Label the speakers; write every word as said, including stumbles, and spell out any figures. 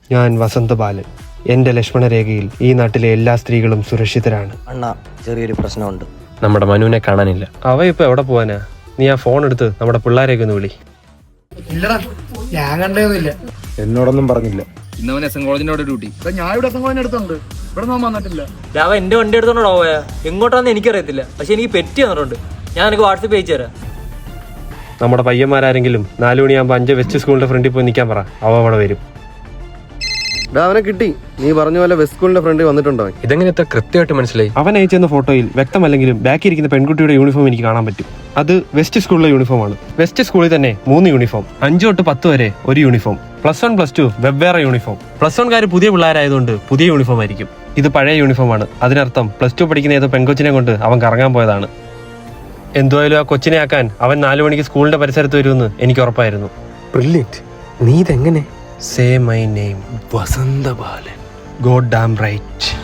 Speaker 1: ഞാൻ വസന്തബാലൻ. എന്റെ ലക്ഷ്മണരേഖയിൽ ഈ നാട്ടിലെ എല്ലാ സ്ത്രീകളും സുരക്ഷിതരാണ്.
Speaker 2: അണ്ണാ, ചെറിയൊരു പ്രശ്നമുണ്ട്.
Speaker 3: നമ്മുടെ മനുവിനെ കാണാനില്ല.
Speaker 1: അവ ഇപ്പൊ എവിടെ പോവാനാ? നീ ആ ഫോൺ എടുത്ത് നമ്മുടെ പിള്ളേരെയൊക്കെ ഒന്ന് വിളി.
Speaker 4: ഇല്ലടാ, ഞാൻ കണ്ടതൊന്നുമില്ല.
Speaker 5: എന്നോടൊന്നും പറഞ്ഞില്ല.
Speaker 6: ഇന്നവൻ എസ് എൻ കോളേജിന്റെ അവിടെ ഡ്യൂട്ടി. ഞാൻ ഇവിടെ എസ് എൻ കോളേജിന്റെ അടുത്തുണ്ട്. ഇവിടെ നോക്കാൻ വന്നിട്ടില്ല.
Speaker 7: അവ എന്റെ വണ്ടി എടുത്തോണ്ടോ പോയാ? എങ്ങോട്ടാന്ന് എനിക്കറിയത്തില്ല, പക്ഷെ എനിക്ക് പെറ്റി തന്നിട്ടുണ്ട്. ഞാൻ എനിക്ക് വാട്സപ്പ് അയച്ചു തരാം.
Speaker 1: നമ്മുടെ പയ്യന്മാരാരെങ്കിലും നാലു മണിയാകുമ്പോൾ അഞ്ച് വെസ്റ്റ് സ്കൂളിന്റെ ഫ്രണ്ടിൽ പോയി നിൽക്കാൻ പറ, അവ അവിടെ വരും.
Speaker 5: അവനെ കിട്ടി. നീ പറഞ്ഞ പോലെ വെസ്റ്റ് സ്കൂളിന്റെ ഫ്രണ്ടിൽ വന്നിട്ടുണ്ടോ?
Speaker 3: ഇതെങ്ങനെ ഇത്ര കൃത്യമായിട്ട് മനസ്സിലായി?
Speaker 1: അവൻ അയച്ചെന്ന ഫോട്ടോയിൽ വ്യക്തമല്ലെങ്കിലും ബാക്കി ഇരിക്കുന്ന പെൺകുട്ടിയുടെ യൂണിഫോം എനിക്ക് കാണാൻ പറ്റും. അത് വെസ്റ്റ് സ്കൂളിലെ യൂണിഫോം ആണ്. വെസ്റ്റ് സ്കൂളിൽ തന്നെ മൂന്ന് യൂണിഫോം, അഞ്ചു തൊട്ട് പത്ത് വരെ ഒരു uniform, plus one plus two വെവ്വേറെ യൂണിഫോം. പ്ലസ് വൺകാർ പുതിയ പിള്ളേരായതുകൊണ്ട് പുതിയ യൂണിഫോം ആയിരിക്കും. ഇത് പഴയ യൂണിഫോം ആണ്. അതിനർത്ഥം പ്ലസ് ടു പഠിക്കുന്ന ഏതോ പെൺകൊച്ചിനെ കൊണ്ട് അവൻ കറങ്ങാൻ പോയതാണ്. എന്തുവായാലും ആ കൊച്ചിനെ ആക്കാൻ അവൻ നാലു മണിക്ക് സ്കൂളിന്റെ പരിസരത്ത് വരുമെന്ന് എനിക്ക് ഉറപ്പായിരുന്നു.
Speaker 3: ബ്രില്യന്റ്. നീ ഇതെങ്ങനെ?
Speaker 1: Say my name, Vasanthabalan. God damn right.